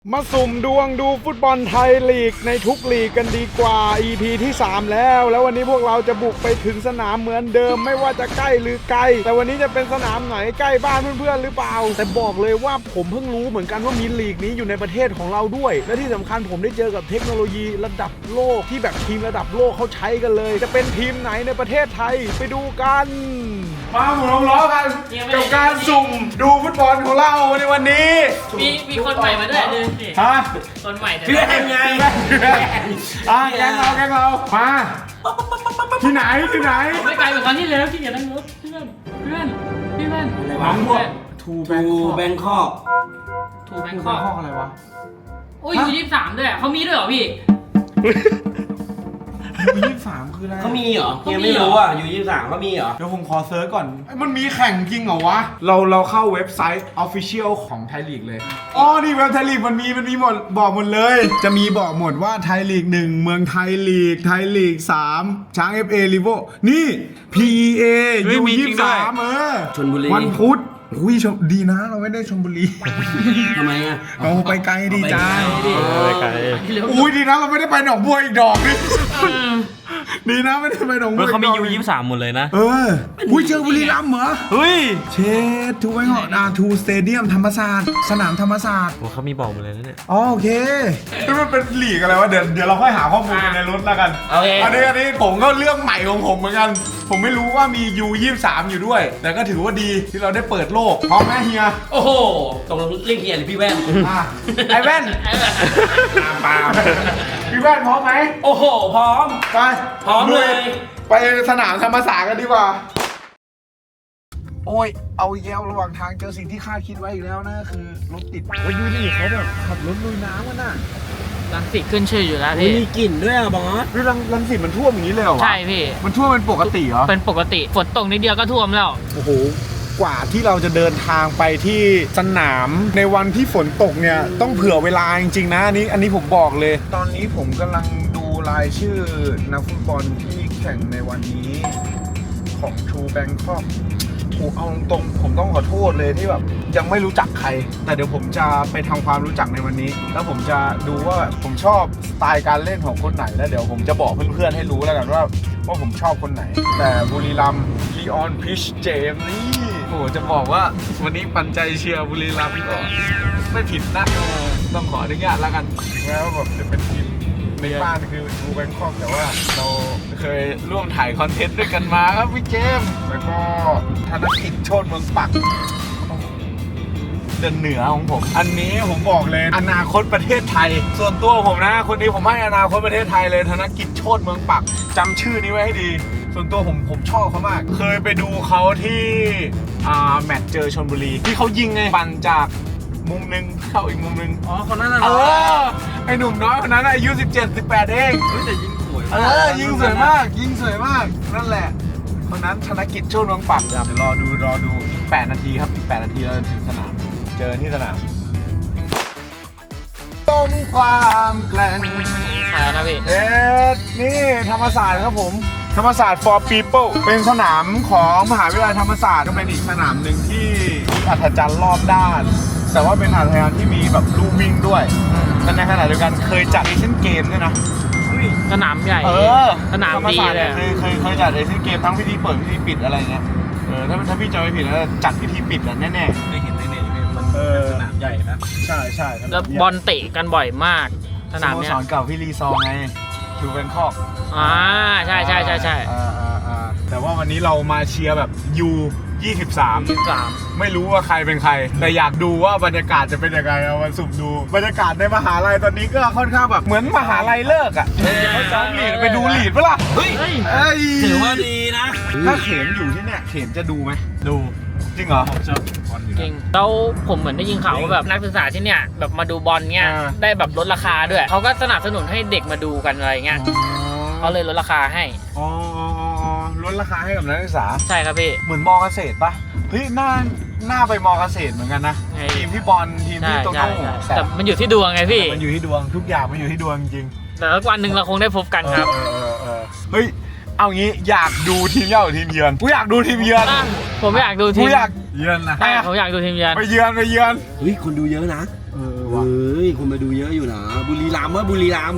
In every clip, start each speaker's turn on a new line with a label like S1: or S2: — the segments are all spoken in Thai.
S1: มาสุ่มดวงดูฟุตบอลไทยลีกในทุกลีกกันดีกว่า EP ที่3แล้ววันนี้พวกเราจะบุกไปถึงสนามเหมือนเดิมไม่ว่าจะใกล้หรือไกลแต่วันนี้จะเป็นสนามไหนใกล้บ้านเพื่อนๆหรือเปล่าแต่บอกเลยว่าผมเพิ่งรู้เหมือนกันว่ามีลีกนี้อยู่ในประเทศของเราด้วยและที่สำคัญผมได้เจอกับเทคโนโลยีระดับโลกที่แบบทีมระดับโลกเขาใช้กันเลยจะเป็นทีมไหนในประเทศไทยไปดูกันมาหมุนล้อกันกับการสุ่มดูฟุตบอลของเราในวันนี้
S2: มีคนใหม่มาด้วยดูสิ
S1: ฮะ
S2: คนใหม่
S1: เพื่อนไงแกงเรามาที่ไหน
S2: ไม่ไกลเหมือนครั้งที่แล้วที่อย่านั่งรถเพื่อน
S1: น้องพวกทู
S3: แบงคอก
S2: ถูกแบงคอก
S1: อะไรวะ
S2: โอ้ยอยู่23ด้วยเขามีด้วยเหรอพี่
S1: 23คืออะไร
S3: เขามีเหรอยังไม่รู้อ่ะอยู่23เขามีเหรอ
S1: เดี๋ยวผมขอเซิร์ชก่อนมันมีแข่งจริงเหรอวะเราเข้าเว็บไซต์ Official ของไทยลีกเลยอ๋อนี่เว็บไทยลีกมันมีหมดบอกหมดเลยจะมีบอกหมดว่าไทยลีก1เมืองไทยลีก3ช้าง FA ลิเวอร์นี่ PEA U23
S3: ชลบุรี
S1: วันพุธอุ้ยดีนะเราไม่ได้ชลบุรี
S3: ทำไมอ่ะ
S1: เราไปไกลดีจ้า
S3: ไปไกล
S1: อุ้ยดีนะเราไม่ได้ไปหนองบัวอีกดอกนึงดีนะไม่ได้ไปหนองบัว
S4: เขามีU23หมดเลยนะ
S1: อุ้ยเจอบุรีรัมย์เหรอ
S4: เฮ้ย
S1: เชดทูไว้หอทูสเตเดียมธรรมศาสตร์สนามธรรมศาสตร์
S4: โอ้เขามีบอกหมดเลยนะเนี่ย
S1: โอเคนี่มันเป็นลีกอะไรวะเดี๋ยวเราค่อยหาข้อมูลในรถแล้วกัน
S2: โอเค
S1: อันนี้ผมก็เรื่องใหม่ของผมเหมือนกันผมไม่รู้ว่ามี U23 อยู่ด้วยแต่ก็ถือว่าดีที่เราได้เปิดโลกพร้อมไหมเฮีย
S3: โอ้โหตรงเรียกเฮียหรือพี่แว่น
S1: ไอแว่นปาพี่แว่นพร้อมไหม
S3: โอ้โหพร้อม
S1: ไป
S3: พร้อมเลย
S1: ไปสนามธรรมศาสตร์กันดีกว่าโอ้ยเอาแย้วระหว่างทางเจอสิ่งที่คาดคิดไว้อีกแล้วนะคือรถติดไปดูดิเขาแบบขับรถลุยน้ำกันน่ะ
S2: รังสิตขึ้นชื่ออยู่แล้วพี่
S3: มีกลิ่นด้วยอ่ะบอส
S1: รังสิตมันท่วมอย่างนี้เลยเหรอ
S2: ใช่พี่
S1: มันท่วมเป็นปกติเหรอ
S2: เป็นปกติฝนตกนิดเดียวก็ท่วมแล้ว
S1: โอ้โหกว่าที่เราจะเดินทางไปที่สนามในวันที่ฝนตกเนี่ยต้องเผื่อเวลาจริงๆนะอันนี้ผมบอกเลยตอนนี้ผมกำลังดูรายชื่อนักฟุตบอลที่แข่งในวันนี้ของทูแบงคอกเอาตรงผมต้องขอโทษเลยที่แบบยังไม่รู้จักใครแต่เดี๋ยวผมจะไปทำความรู้จักในวันนี้แล้วผมจะดูว่าผมชอบสไตล์การเล่นของคนไหนแล้วเดี๋ยวผมจะบอกเพื่อนๆให้รู้แล้วกันว่าผมชอบคนไหนแต่บุรีรัมย์ลีออนพิชเจมนี่โอ้จะบอกว่าวันนี้ปันใจเชียร์บุรีรัมย์ก็ไม่ผิดนะต้องขออนุญาตแล้วกันแม้ว่าแบบจะเป็นทีมในบ้านคือทูแบงคอกแต่ว่าเราเคยร่วมถ่ายคอนเทนต์ด้วยกันมาครับพี่เจมส์แล้วก็ธนกิจโชติเมืองปักเดินเหนือของผมอันนี้ผมบอกเลยอนาคตประเทศไทยส่วนตัวผมนะคนนี้ผมให้อนาคตประเทศไทยเลยธนกิจโชติเมืองปักจำชื่อนี้ไว้ให้ดีส่วนตัวผมชอบเขามากเคยไปดูเขาที่แมตช์เจอชลบุรีที่เขายิงไงปั่นจากมุมนึงเข้าอีกมุมนึง
S3: คนนั้นน่ะ
S1: ไอหนุ่มน้อยคนนั้นอายุ17-18เอง
S3: แต่ยิงสวย
S1: ยิงสวยมากนั่นแหละคนนั้นธนกิจโชติเมืองปักเดี๋ยวรอดูอีก8นาทีครับอีก8นาทีเราจะถึงสนามเจอที่สนามต้มความแกร่ง
S2: นะพี่
S1: นี่ธรรมศาสตร์ครับผมธรรมศาสตร์ for people เป็นสนามของมหาวิทยาลัยธรรมศาสตร์ก็เป็นอีกสนามหนึ่งที่มีอัศจรรย์รอบด้านแต่ว่าเป็นอัศจรรย์ที่มีแบบลู่วิ่งด้วยแต่ในขณะเดียวกันเคยจัดเอเชียนเกมด้วยนะ
S2: สนามใหญ่สนามดีเลย
S1: เคยจัดเอเชียนเกมทั้งพิธีเปิดพิธีปิดอะไรเงี้ยถ้าพี่จำไม่ผิดแล้วจัดพิธีปิดแน่ๆ
S3: ได้เห็นในเน็ตมันสนามใหญ่นะ
S1: ใช่
S2: แล้วบอลเตะกันบ่อยมากสนามเนี้ย
S1: สอนเก่าพี่ลีซองไงทูแบงคอก
S2: ใช่
S1: แต่ว่าวันนี้เรามาเชียร์แบบU23ไม่รู้ว่าใครเป็นใครแต่อยากดูว่าบรรยากาศจะเป็นยังไงเอามาสุ่มดูบรรยากาศในมหาลัยตอนนี้ก็ค่อนข้างแบบเหมือนมหาลัยเลิกอ่ะเขาซ้อมลีดไปดูลีดปะล่ะ
S3: เฮ้ยถือว่าดีนะ
S1: ถ้าเข็มอยู่ที่เนี่ยเข็มจะดูไหมดูจริงเหรอ
S2: จริงแล้วผมเหมือนได้ยินข่าวว่าแบบนักศึกษาที่เนี่ยแบบมาดูบอลเงี้ยได้แบบลดราคาด้วยเขาก็สนับสนุนให้เด็กมาดูกันอะไรเงี้ยเขาเลยลดราคาให้
S1: ลดราคาให้กับนักศึกษา
S2: ใช่ครับพี่
S1: เหมือนมอเกษตรปะเฮ้ยหน้าไปมอเกษตรเหมือนกันนะทีมพี่บอลทีมพี่โตโน่
S2: แต่มันอยู่ที่ดวงไงพี่
S1: มันอยู่ที่ดวงทุกอย่างมันอยู่ที่ดวงจริง
S2: แต่วันหนึ่งเราคงได้พบกันครับ
S1: เฮ้ยเอางี้อยากดูทีมเยือนหรือทีมเยือนกูอยากดูทีมเยือน
S2: ผมไม่อยากดูทีม
S1: กูอยากเยือนนะ
S2: ผมอยากดูทีมเยือน
S1: ไปเยือน
S3: เฮ้ยคนดูเยอะนะ
S1: ผว่ะ
S3: เฮ้ยคนมาดูเยอะอยู่นะบุรีรัมย์ว่าบุรีรัมย์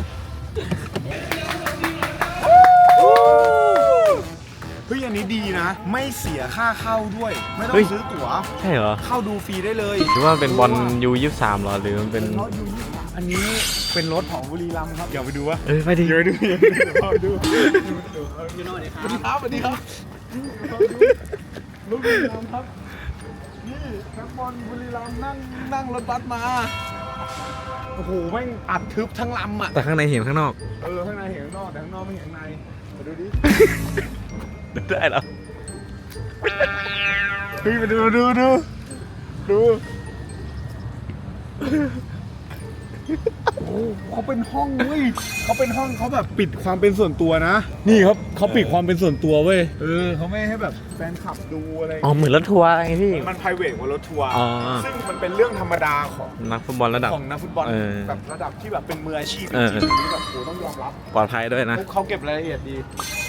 S1: เฮ้ยอันนี้ดีนะ ไม่เสียค่าเข้าด้วย ไม่ต้องซื้อตั๋ว
S4: ใช่เหรอ
S1: เข้าดูฟรีได้เลย
S4: หรือว่าเป็นบอลU23เหรอหรือมันเป็น
S1: รถยูยี่สิบอันนี้เป็นรถของบุรีรัมย์ครับเดี๋ยวไปดูวะ
S4: เอ้ยไปดิ
S1: เดี๋ยวไปดูเดี๋ยวเข้าไปดูพี่น้อยสวัสดีครับสวัสดีครับลูกบุรีรัมย์ครับนี่นักบอลบุรีรัมย์นั่งรถบัสมาโอ้โหแม่งอัดทึบทั้งลำอ่ะ
S4: แต่ข้างในเห็นข้างนอก
S1: ข้างในเห็นข้างนอกแต่ข้างนอกไม่เห็นข้างในมาดูดิ
S4: ได้เหรอ
S1: เฮ้ยมาดูโอ้เขาเป็นห้องเว้ยเขาเป็นห้องเขาแบบปิดความเป็นส่วนตัวนะ นี่ครับเขาปิดความเป็นส่วนตัวเว้ยเขาไม่ให้แบบแฟนคลับดูอะไร
S4: อ๋อเหมือนรถทัวร์ไงพี่
S1: มัน private กว่ารถทัวร์
S4: อ๋อ
S1: ซึ่งมันเป็นเรื่องธรรมดาของ
S4: นักฟุตบอลระดับ
S1: ของนักฟุตบอล
S4: เออ
S1: แบบระดับที่แบบเป็นมืออาชีพจ
S4: เออ
S1: ริงๆอันนี้แบบโหต้องยอมรับ
S4: ปลอดภัยด้วยนะ
S1: เขาเก็บรายละเอียดดี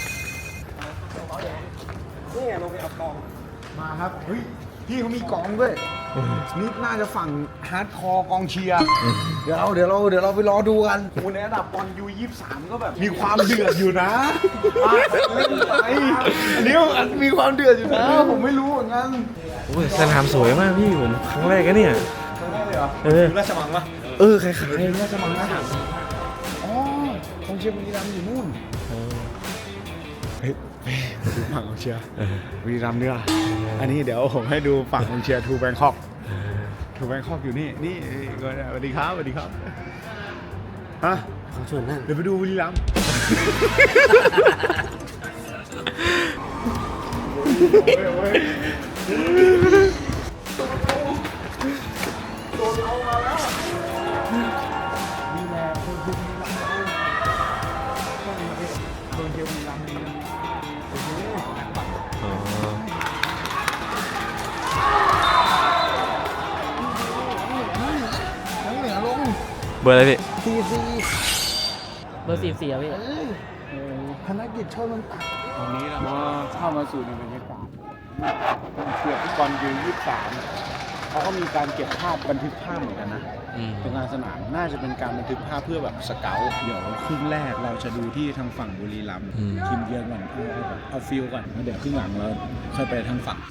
S1: นี่ไงลงไปเอากองมาครับเฮ้ยพี่เขามีกองด้วยนี่น่าจะฝั่งฮาร์ดคอร์กองเชียร์เดี๋ยวเราไปรอดูกันโอ้ในระดับบอลU23ก็แบบมีความเดือดอยู่นะเล่นไปอันนี้มีความเดือดอยู่นะผมไม่รู้เหมือนกัน
S4: โอ้ยสนามสวยมากพี่ผมครั้งแรกนะเนี่ย
S1: ครั้งแรกเลยเหรอ
S4: เออ
S1: ราชมังปะ
S4: คล้าย
S1: ราชมังนะอ๋อกองเชียร์บุรีรัมย์อยู่นู่นเฮ้ยดูฝั่งกองเชียร์บุรีรัมย์เนี่ยอันนี้เดี๋ยวผมให้ดูฝั่งกองเชียร์ทูแบงคอกอยู่นี่ก็สวัสดีครับฮะ
S3: เขาชวนนั่ง
S1: เดี๋ยวไปดูบุรีรัมย์นี่แหละคนบุรีรัมย์คนเชียร์บุรีรัมย์นี่
S4: ๆอ๋อ
S1: ทั้งเหนือลง
S4: เบอร์อะไรพี่
S2: เบอร์44อะพี่
S1: ธนกิจโชติมันตัดตอนนี้เราก็เข้ามาสู่ในบรรยากาศเกือบฟุตบอลU23เขาก็มีการเก็บภาพบันทึกภาพเหมือนกันนะ ตรงกลางสนามน่าจะเป็นการบันทึกภาพเพื่อแบบสเกลเดี๋ยวครึ่งแรกเราจะดูที่ทางฝั่งบุรีรัมย์ทีมเยือนก่อนเอาฟิลก่อนแล้วเดี๋ยวครึ่งหลังเราค่อยไปทางฝั่ง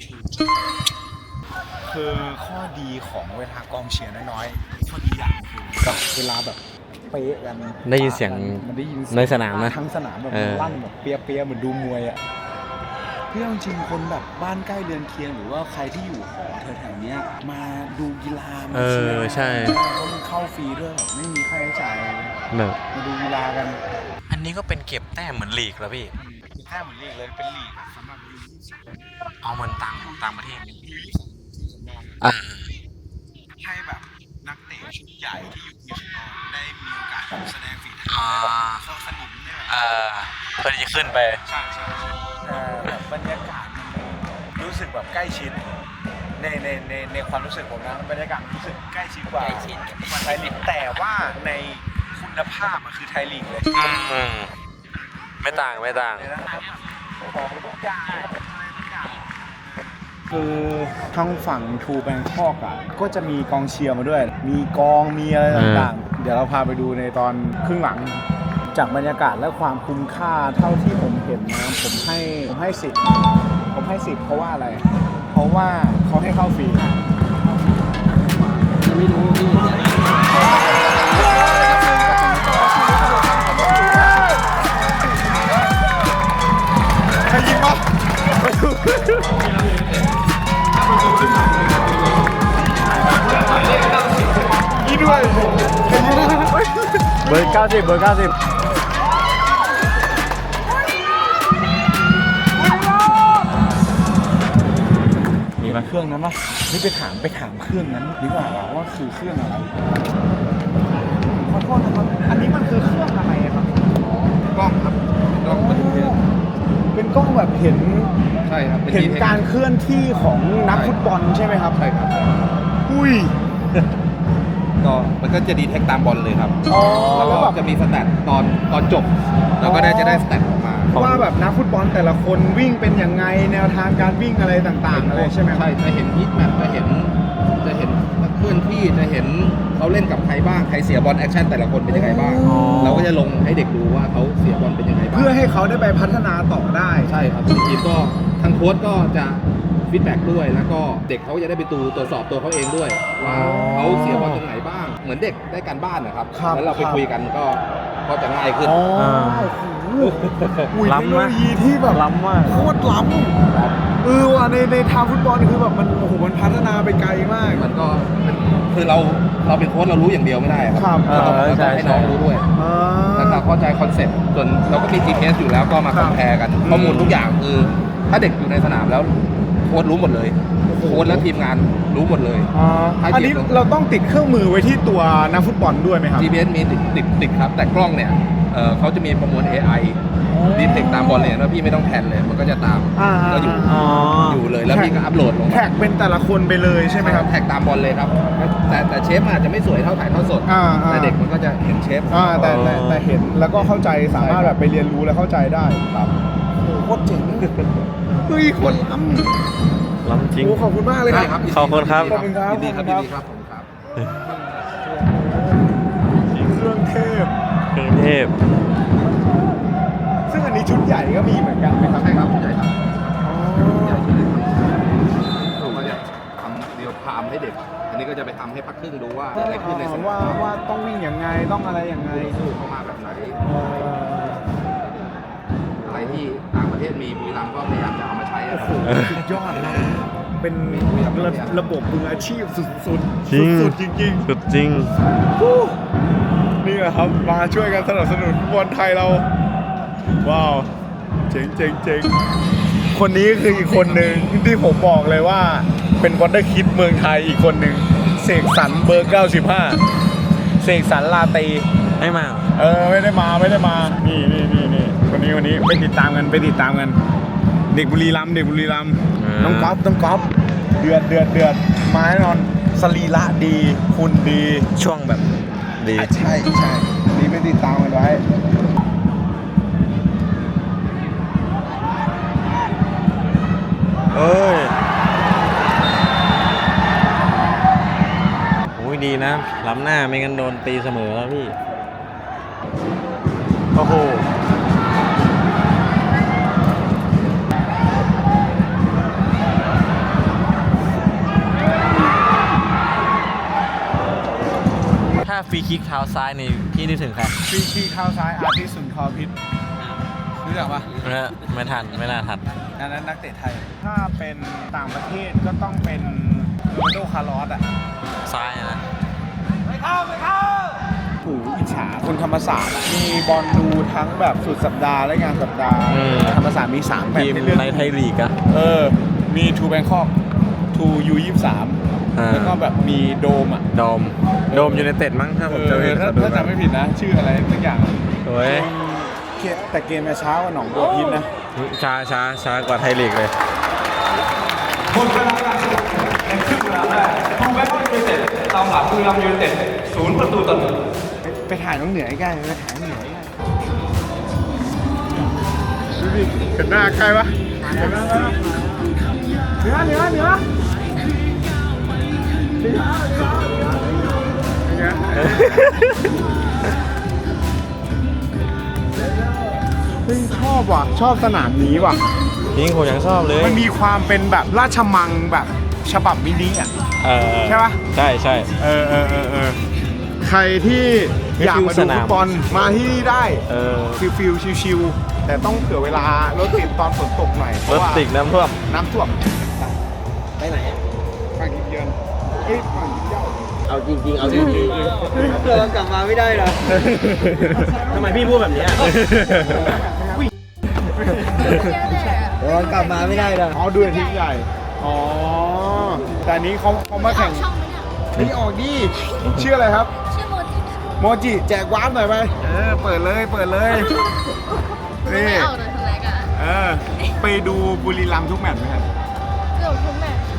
S1: คือข้อดีของเวลากองเชียร์น้อยๆข้อดีอย่างคือแบบเวลาแบบเป๊ะกัน
S4: ได้ยินเสียง
S1: มันได้ยินเสียง
S4: ในสนามนะ
S1: ทั้งสนามแบบ
S4: เออ
S1: ลั่นแบบเปียๆเหมือนดูมวยอ่ะพี่เอาจริงคนแบบบ้านใกล้เรือนเคียงหรือว่าใครที่อยู่หอแถวๆเนี้ยมาดูกีฬามาเชียร์
S4: ใช่
S1: เพราะมันเข้าฟรีด้วยแบบไม่มีค่าใช้จ่ายอะไรเลย
S4: แบบ
S1: มาดูกีฬากัน
S4: อันนี้ก็เป็นเก็บแต้มเหมือนลีกแล้วพี่
S1: แค่เหมือนลีกเลยเป็นลีกสำหรับยู23
S4: เอาเหมือนต่างประเทศ
S1: อ่าให้แบบนักเตะชุดใหญ่ที่อยู่ทีมชาติได้มีโอกาสแสดงฝีเท้าเข้าสนิมเนี่ย
S4: เพื่อที่จะขึ้นไป
S1: ใช่แบบบรรยากาศมันรู้สึกแบบใกล้ชิดในความรู้สึกผมนะบรรยากาศรู้สึกใกล้ชิดกว่าไทยลีกแต่ว่าในคุณภาพมันคือไทยลีกเลย
S4: ไม่ต่าง
S1: ของทุกอย่างคือทางฝั่งทูแบงคอกอ่ะก็จะมีกองเชียร์มาด้วย มีกองมีอะไรต่างๆเดี๋ยวเราพาไปดูในตอนครึ่งหลังจากบรรยากาศและความคุ้มค่าเท่าที่ผมเห็นนะผมให้10เพราะว่าอะไร เพราะว่าเขาให้เข้าฟรี
S3: ไม่รู้พี่
S1: ใครยิงวะนี่ด้วย
S4: เบอร์ 90
S1: มีมาเครื่องนั้นปะนี่ไปถามเครื่องนั้นดีกว่าว่าคือเครื่องอะไรขอโทษนะครับอันนี้มันคือเครื่องอะไรครับกล้องครับกล้องบันทึกเป็นกล้องแบบเห็น
S3: ใช่ครับ
S1: เห็นการเคลื่อนที่ของนักฟุตบอลใช่ไหมครับ
S3: ใช่ครับ
S1: อุ้ย
S3: ก็มันก็จะดีเทคตามบอลเลยครับ
S1: อ๋อ
S3: แล้วก็จะมีสแตทตอนจบ แล้วก็จะได้สแตทออกมา
S1: ว่าแบบนักฟุตบอลแต่ละคนวิ่งเป็นยังไงแนวทางการวิ่งอะไรต่างๆอะไรใช่ไหมครับ
S3: ใช่จะเห็นฮิตแมปจะเห็นอนที่จะเห็นเขาเล่นกับใครบ้างใครเสียบอลแอคชั่นแต่ละคนเป็นยังไงบ้าง เราก็จะลงให้เด็กดูว่าเขาเสียบอลเป็นยังไงบ้าง
S1: เพื่อให้เขาได้ไปพัฒนาต่อได้
S3: ใช่ครับทีมก็ทางโค้ชก็จะฟีดแบ็กด้วยแล้วก็เด็กเขาจะได้ไปตรวจสอบตัวเขาเองด้วยว่าเขาเสียบอลตรงไหนบ้างเหมือนเด็กได้การบ้านนะครับ
S1: ครับ
S3: แล้วเราไปคุยกันก็จะง่ายขึ้น
S1: อ๋อโอ้โหอุ้ยเทคโนโลยีที่แบบ
S4: ล้ำมาก
S1: โคตรล้ำว่ะในทางฟุตบอลคือแบบมันโอ้โหมันพัฒนาไปไกลมาก
S3: มันก็คือเราเป็นโค้ชเรารู้อย่างเดียวไม่ได้ค
S1: ครั
S3: รับ เราต้องให้น้องรู้ด้วย
S1: อ่า
S3: แล้วเราเข้าใจคอนเซ็ปต์ส่วนเราก็มี GPS อยู่แล้วก็มา
S1: ค
S3: ครับ อมแพร์กัน ข้อมูลทุกอย่างคือ ถ้าเด็กอยู่ในสนามแล้วโค้ชรู้หมดเลย โค้ชและทีมงานรู้หมดเลย
S1: อันนี้เราต้องติดเครื่องมือไว้ที่ตัวนักฟุตบอลด้วยไหมครับ
S3: GPS มีติดครับ แต่กล้องเนี่ยเขาจะมีประมวล AI ดีเทคตามบอลเลยว่าพี่ไม่ต้องแพนเลย มันก็จะตาม ก็อยู่เลยแล้วพี่ก็อัพโหลดลง
S1: แท็กเป็นแต่ละคนไปเลยใช่ไหมครับ
S3: แท็กตามบอลเลยครับ แต่เชฟอาจจะไม่สวยเท่าถ่ายทอดสด แต่เด็กมันก็จะเห็นเชฟ
S1: แต่เห็นแล้วก็เข้าใจสามารถแบบไปเรียนรู้และเข้าใจได้ครับโอ้โหโคตรเจ๋งเฮ้ยคนล้ำ
S4: ล้ำจริง
S1: โอ้ขอบคุณมากเลย
S3: ได้
S1: ค
S3: ค
S1: รั
S3: รับ บ
S4: ขอบคุณครับ
S1: ขอบคุณครับ
S3: ยินดีครับยินดีครับผมครับ
S1: เครื่องเทพ
S4: กรุงเทพ
S1: ซึ่งอันนี้ชุดใหญ่ก็มีเหมือนกันไหมครับ
S3: ใช่ครับใหญ่ครับใหญ่ชุดเล็กเราก็จะทำเดียวพามให้เด็ก อันนี้ก็จะไปทำให้พักครึ่งดูว่าเกิดอะไรขึ้นในสนาม
S1: ว่าต้องวิ่งยังไงต้องอะไรยังไง
S3: สู้เข้ามาแบบไหน อะไรที่ต่างประเทศมีบุรีรัมย์ก็พยายามจะเอามาใช้อะครับ
S1: สุดยอดนะเป็นระบบมืออาชีพสุดๆ
S4: จริง
S1: สุดๆจริง
S4: สุดจริง
S1: ๆนี่แหละครับมาช่วยกันสนับสนุนฟุตบอลไทยเรา ว้าว เจ๋งเจ๋งเจ๋งคนนี้คืออีกคนหนึ่งที่ผมบอกเลยว่าเป็นวอนเดอร์คิดเมืองไทยอีกคนหนึ่งเสกสรรเบอร์ 95 เสกสรรลาตี
S4: ให้มา
S1: ไม่ได้มานี่คนนี้ไปติดตามกัน เด็กบุรีรัมย์น้องก๊อฟเดือดมาแน่นอนสรีระดีหุ่นดี
S4: ช่วงแบบดี
S1: ใช่นี่ไปติดตามกันไว้
S4: เอ้ยโอ้ยดีนะ ล้ำหน้าไม่งั้นโดนตีเสมอแล้วพี่
S1: โอ้โห
S4: ถ้าฟรีคิกเท้าซ้ายนี่พี่นึกถึงใคร
S1: ฟรีคีเข้าซ้ายอาทิตย์สุนทรพิษรู้จักปะ
S4: ไม่ทันไม่น่าทัน
S1: อันนั้นนักเตะไทย ถ้าเป็นต่างประเทศก็ต้องเป็นโรนัลโดคาร์ลอสอ่ะ
S4: ซ้ายนะ
S1: ผูอิจฉาคนธรรมศาสตร์อะมีบอลดูทั้งแบบสุดสัปดาห์และงานสัปดาห์ ธรรมศาสตร์มี3แมตช์
S4: ทีม
S1: ให้เลือก
S4: ในไทยลีกอะ
S1: มีทูแบงคอกทูยู23
S4: อ่า
S1: แล้วก็แบบมีโดมอ่ะ
S4: โดมยูไนเต็ดมั้งถ้าผมจำไม่ผิด
S1: ถ้าจำไม่ผิดนะ ชื่ออะไรสักอย่าง
S4: โอ้ย
S1: แต่เกมจะช้ากว่าหนองบัวพิษนะ
S4: ช้ากว่าไทยลีกเลย
S5: หมดเวลาการแข่งขันในครึ่งเวลาแรกทูแบงคอกยูไนเต็ดตามหลังบุรีรัมย์ยูไนเต็ด0-1
S1: ไปถ่ายน้องเหนือใกล้ๆไปถ่ายน้องเหนือใกล้ดูดิเห็นหน้าใกล้ปะเห็นหน้าใกล้ปะเหนือเฮ้ยชอบว่ะ ชอบสนามนี้ว่ะ
S4: จริงผมยังชอบเลย
S1: มันมีความเป็นแบบราชมังแบบฉบับมินิอ่ะ ใช่ปะ
S4: ใช่
S1: ใครที่อยากมาดู
S4: สนา
S1: ฟุ
S4: ม
S1: ตบอลมาที่นี่ได้ ฟิลชิวๆแต่ต้องเผื่อเวลารถติดตอนฝนตกหน่อยเพ
S4: ร
S1: ราะ
S4: ถ
S1: ว่า
S4: ติดน้ำท่วม
S1: น้ำท่วมไปไหนฝั่งยิมเยือนฝั่งยิมเย้า
S2: เอาจริงเอาจริงเรากลับมาไม่ได้หรอทำไมพี่พูดแบบนี้เรากลับมาไม่ได้หรอ
S1: อ๋อดูทีมใหญ่อ๋อแต่อันนี้เขามาแข่ง
S6: ช่องไหมเนี่ย
S1: นี่ออกดิชื่ออะไรครับ
S6: ชื่อโมจิค่ะ
S1: โมจิแจกวาร์ปหน่อยไปเปิดเลย
S6: ไม่
S1: นี่
S6: เอาเลยทำไรกัน
S1: ไปดูบุรีรัมย์ทุกแมตช์ไหมครับ
S6: เกือบทุกแมตช์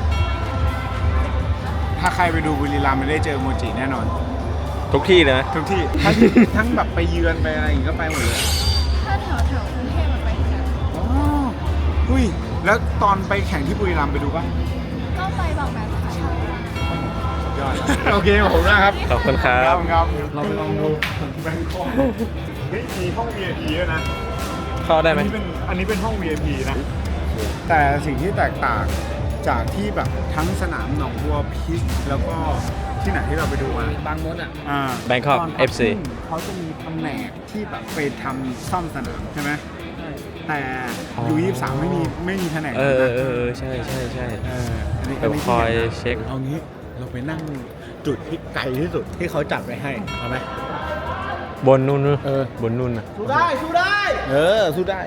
S1: ถ้าใครไปดูบุรีรัมย์ไม่ได้เจอโมจิแน่นอน
S4: ทุกที่เลยนะ
S1: ทุกที่ ทั้งแบบไปเยือนไปอะไรอย่างงี้ก็ไปหมดเลย
S6: ถ้าแถวกรุงเทพมันไปที่ไหน
S1: อ๋ออุ้ยแล้วตอนไปแข่งที่บุรีรัมย์ไปดูป่ะ
S6: ก็ไปบางแมตช์ค่ะ
S1: สุดยยอดโอเคขอบคุณมากครับ
S4: ขอบคุณครับ
S1: ครับเราไปลองดูแบงคอกเฮ้ยมีห้อง VIP ด้วยนะ
S4: เข้าได้ไหม
S1: อันนี้เป็นห้อง VIP นะ แต่สิ่งที่แตกต่างจากที่แบบทั้งสนามหนองบัวพิษแล้วก็ที่ไหนที่เราไปดูมา
S2: บางมดอ่ะ
S4: Bangkok
S1: ตอนพัก
S4: FC
S1: ครึ่งเขาจะมีแผนกที่แบบไปทำซ่อมสนามใช่ไหมแต่ยู23ไม่มีแผนก
S4: เอ
S1: นั้น
S4: อ
S1: นะ
S4: ใช่
S1: อันนี้
S4: แบบคอยเช็ค
S1: เอางี้เราไปนั่งจุดที่ไกลที่สุดที่เขาจัดไว้ให้เอาไหม
S4: บนนู่น
S1: เออ
S4: บนนู่นนะ
S1: สู้ได้สู้ได้ สู้ได้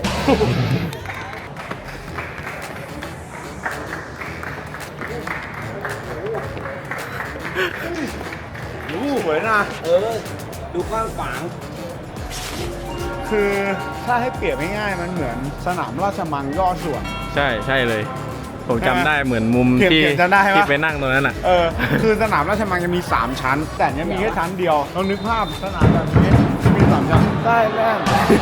S1: สวยนะ
S3: ดูกว้างขวาง
S1: คือถ้าให้เปรียบง่ายๆมันเหมือนสนามราชมังย่อส่วน
S4: ใช่เลย ผมจำได้เหมือนมุม
S1: เขียน
S4: ที่
S1: เขียนจำได้ปะ
S4: ที่ไปนั่งตรงนั้นอ่ะ
S1: คือสนามราชมังจะมี 3 ชั้น แต่อันเนี้ยมีแค่ชั้นเดียวเรานึกภาพสนามแบบนี้มี3ชั้นได้แล่น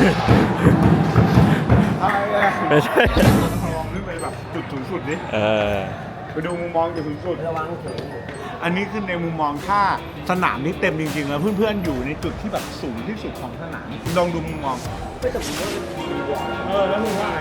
S1: ได้แล่น
S4: ไม่ใช่
S1: ลองขึ้นไปแบบจุดสูงสุดดิ
S4: เออ
S1: ไปดูมุมมองจุดสูงสุดระวังอันนี้คือในมุมมองถ้าสนามนี้เต็มจริงๆแล้วเพื่อนๆอยู่ในจุดที่แบบสูงที่สุดของสนามลองดูมุมมองไม่แต่ผมว่าดีกว่าแล้วมึงว่าไง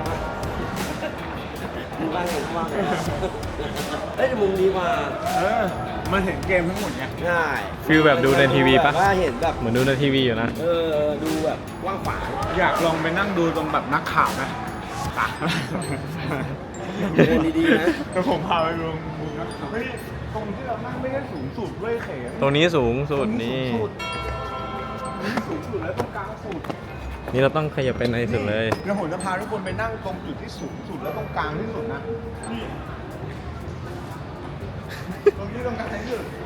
S7: ดีมากเลยมากเลยเอ้ยมุมดีกว่า
S1: มันเห็นเกมทั้งหมดไง
S7: ใช่
S4: ฟิลแบบดูในทีวีปะ
S7: แบบว่าเห็นแบบ
S4: เหมือนดูในทีวีอยู่นะ
S7: ดูแบบกว้างขวาง
S1: อยากลองไปนั่งดูตรงแบบนักข่าวนะตา
S7: เดินดีๆนะ
S1: แต่ผมพาไปดูมุมนักข่าวเฮ้ยตรงที่เรานั่งไม่ได้สูงสุดด้วยเขม
S4: ตรงนี้สูงสุดนี่
S1: สูงสุดแล้วตรงกลางสุด
S4: นี่เราต้องขยับไปในสุดเลย
S1: แล้วผมจะพาทุกคนไปนั่งตรงจุดที่สูงสุดแล้วตรงกลางที่สุดนะนี่ตรงนี้ตรงกลางที่สุด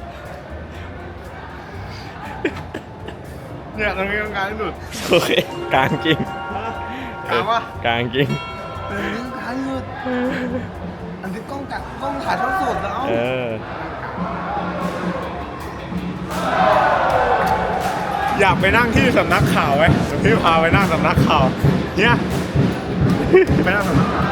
S1: เนี่ยตรงนี้ตรงกลางที่สุด
S4: โอเค กลางจริง
S1: กลางวะ
S4: กลางจริง
S1: ตรงนี้ตรงกลางที่สุดอันที่กล้องถ่ายทอดสดแล้ว
S4: เออ
S1: อยากไปนั่งที่สำนักข่าวไหมเดี๋ยวพี่พาไปนั่งสำนักข่าวเนี่ยไปนั่งสำนักข่าว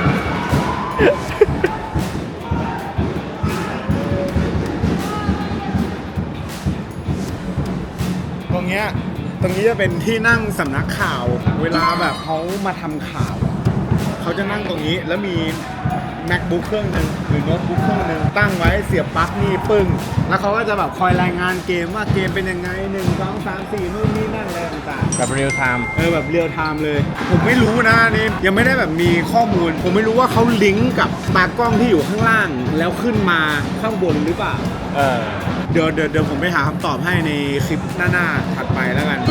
S1: ตรงนี้จะเป็นที่นั่งสำนักข่าว เวลาแบบเขามาทำข่าวอะเขาจะนั่งตรงนี้แล้วมี MacBook เครื่องหนึงหรือโน้ตบุ๊กเครื่องหนึงตั้งไว้เสียบปลั๊กนี่ปึ้งแล้วเขาก็จะแบบคอยรายงานเกมว่าเกมเป็นยังไง1 2 3 4นู่นนี่นั่นอะไรต่างๆ
S4: แบบเรียลไทม์
S1: แบบเรียลไทม์เลย ผมไม่รู้นะอันนี่ยังไม่ได้แบบมีข้อมูล ผมไม่รู้ว่าเขาลิงก์กับตากล้องที่อยู่ข้างล่าง แล้วขึ้นมาข้างบนหรือเปล่า เดี๋ยวผมไปหาคำตอบให้ในคลิปหน้าๆถัดไปแล้วกัน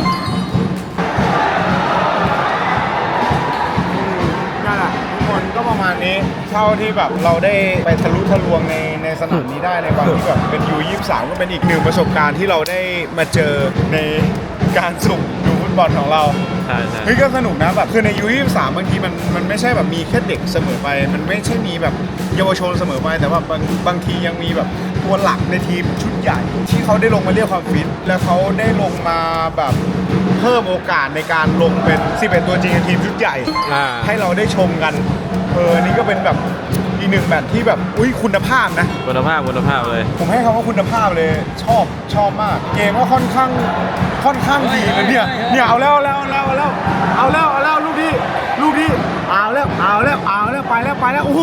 S1: นั่นแหละทุกคนก็ประมาณนี้เท่าที่แบบเราได้ไปทะลุทะลวงในสนามนี้ได้ในวันที่แบบเป็น U23 ก็เป็นอีกหนึ่งประสบการณ์ที่เราได้มาเจอในการสุ่มดูฟุตบอลของเรา
S4: ใช่
S1: เฮ้ยก็สนุกนะแบบคือใน U23 บางทีมันไม่ใช่แบบมีแค่เด็กเสมอไปมันไม่ใช่มีแบบเยาวชนเสมอไปแต่ว่าบางทียังมีแบบตัวหลักในทีมชุดใหญ่ที่เขาได้ลงมาเรียกความฟิตแล้วเขาได้ลงมาแบบเพิ่มโอกาสในการลงเป็น11ตัวจริงในทีมชุดใหญ่ ให้เราได้ชมกันนี่ก็เป็นแบบอีกหนึ่งแมตช์ที่แบบคุณภาพนะ
S4: คุณภาพเลย
S1: ผมให้คำว่าคุณภาพเลยชอบมาก เกมก็ค่อนข้างดีเลยเนี่ยเอาแล้วลูกที่เอาแล้วไปแล้วโอ้โห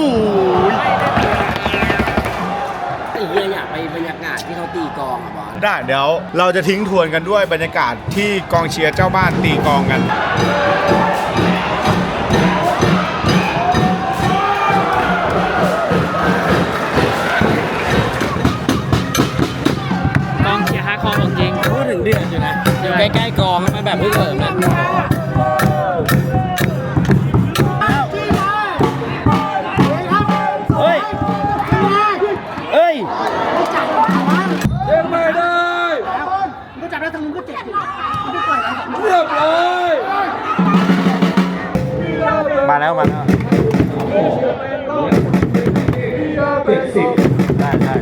S7: ไอ้เหี้ยอยากไปบรรยากาศที่เขาตีกลองอ่ะบอล
S1: ได้เดี๋ยวเราจะทิ้งทวนกันด้วยบรรยากาศที่กองเชียร์เจ้าบ้านตีกลองกัน
S2: กองเชียร์ฮาร์ดคอร์ของจริง
S7: พูดถึงเดือดอยู่นะอยู่ใกล้ๆกลองมันแบบไม่เสริมนะเฮ้ยยังไม่ได้ก็จับได้ทางมึงก็เจ็บไม่ปล่อยเรียบร้อย
S4: มาแล้วได้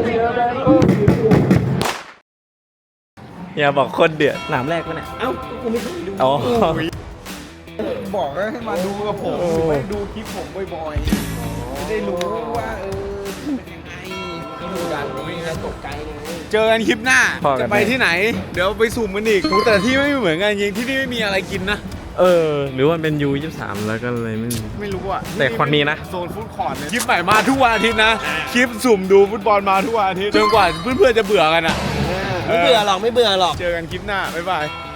S4: อย่าบอกคนเดือดหนามแรกวะเนี่ย
S7: เอ้ากูไม่เคยดู
S4: อ๋อ
S1: บอกให้มาดูกับผมไม่ดูคลิปผมบ่อยๆจะได้รู้ว่าเป็นยังไงเจอกันคลิปหน้า
S4: พอกัน
S1: จะไปที่ไหน เดี๋ยวไปสุ่มกันอีกแต่ที่ไม่เหมือนกันจริงที่นี่ไม่มีอะไรกินนะ
S4: หรือว่าเป็น U23 แล้วก็เลยไม่มี
S1: ไม่รู้อ่ะ
S4: แต่คนมีนะ
S1: โซนฟู้ดคอร์ทเนี่ยคลิปใหม่มาทุกวันอาทิตย์นะ คลิปสุ่มดูฟุตบอลมาทุกวันอาทิตย์จนกว่าเพื่อนๆจะเบื่อกันอ่ะ
S7: ไม่เบื่อหรอก
S1: เจอกันคลิปหน้า บ๊ายบาย